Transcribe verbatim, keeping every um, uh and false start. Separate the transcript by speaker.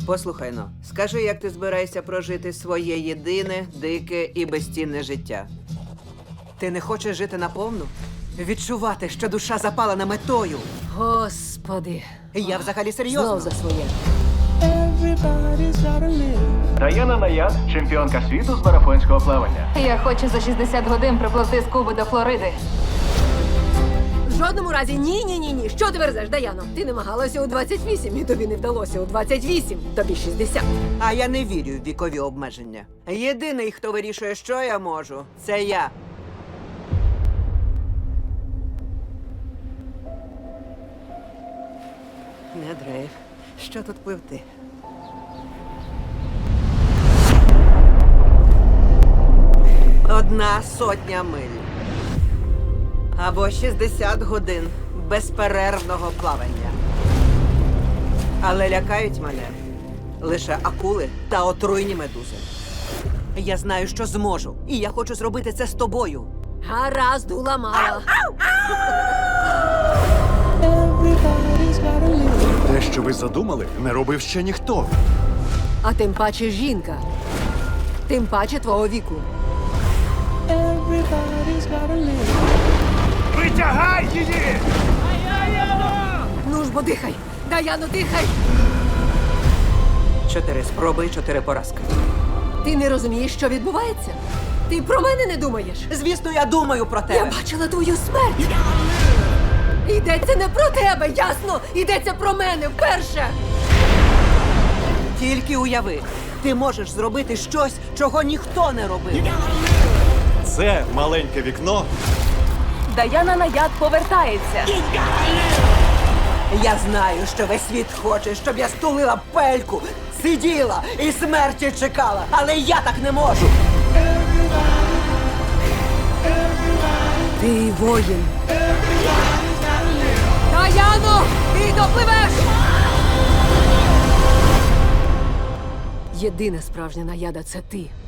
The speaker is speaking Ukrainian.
Speaker 1: Послухай но, скажи, як ти збираєшся прожити своє єдине, дике і безцінне життя? Ти не хочеш жити наповну? Відчувати, що душа запалена метою?
Speaker 2: Господи,
Speaker 1: Я взагалі
Speaker 2: знов
Speaker 1: серйозно.
Speaker 2: за своє.
Speaker 3: Даяна Наяд, чемпіонка світу з марафонського плавання.
Speaker 4: Я хочу за шістдесят годин припливти з Куби до Флориди.
Speaker 2: В жодному разі ні, ні, ні, ні. Що ти верзеш, Даяно? Ти намагалася у двадцять вісім, і тобі не вдалося у двадцять вісім. Тобі шістдесят.
Speaker 1: А я не вірю в вікові обмеження. Єдиний, хто вирішує, що я можу, це я. Не дрейф. Що тут пливти? Одна сотня миль. Або шістдесят годин безперервного плавання. Але лякають мене лише акули та отруйні медузи. Я знаю, що зможу, і я хочу зробити це з тобою.
Speaker 2: Гаразд, уламала.
Speaker 5: Те, що ви задумали, не робив ще ніхто.
Speaker 2: А тим паче жінка. Тим паче твого віку.
Speaker 3: Витягай її!
Speaker 2: Ну ж бо дихай! Даяно, дихай!
Speaker 1: Чотири спроби, чотири поразки.
Speaker 2: Ти не розумієш, що відбувається? Ти про мене не думаєш?
Speaker 1: Звісно, я думаю про
Speaker 2: Я
Speaker 1: тебе.
Speaker 2: бачила твою смерть! Йдеться не про тебе, ясно? Йдеться про мене вперше!
Speaker 1: Тільки уяви, ти можеш зробити щось, чого ніхто не робив.
Speaker 5: Це маленьке вікно.
Speaker 4: Даяна Наяд повертається.
Speaker 1: Я знаю, що весь світ хоче, щоб я стулила пельку, сиділа і смерті чекала, але я так не можу.
Speaker 2: Ти воїн. Даяно, ти допливеш! Єдина справжня наяда — це ти.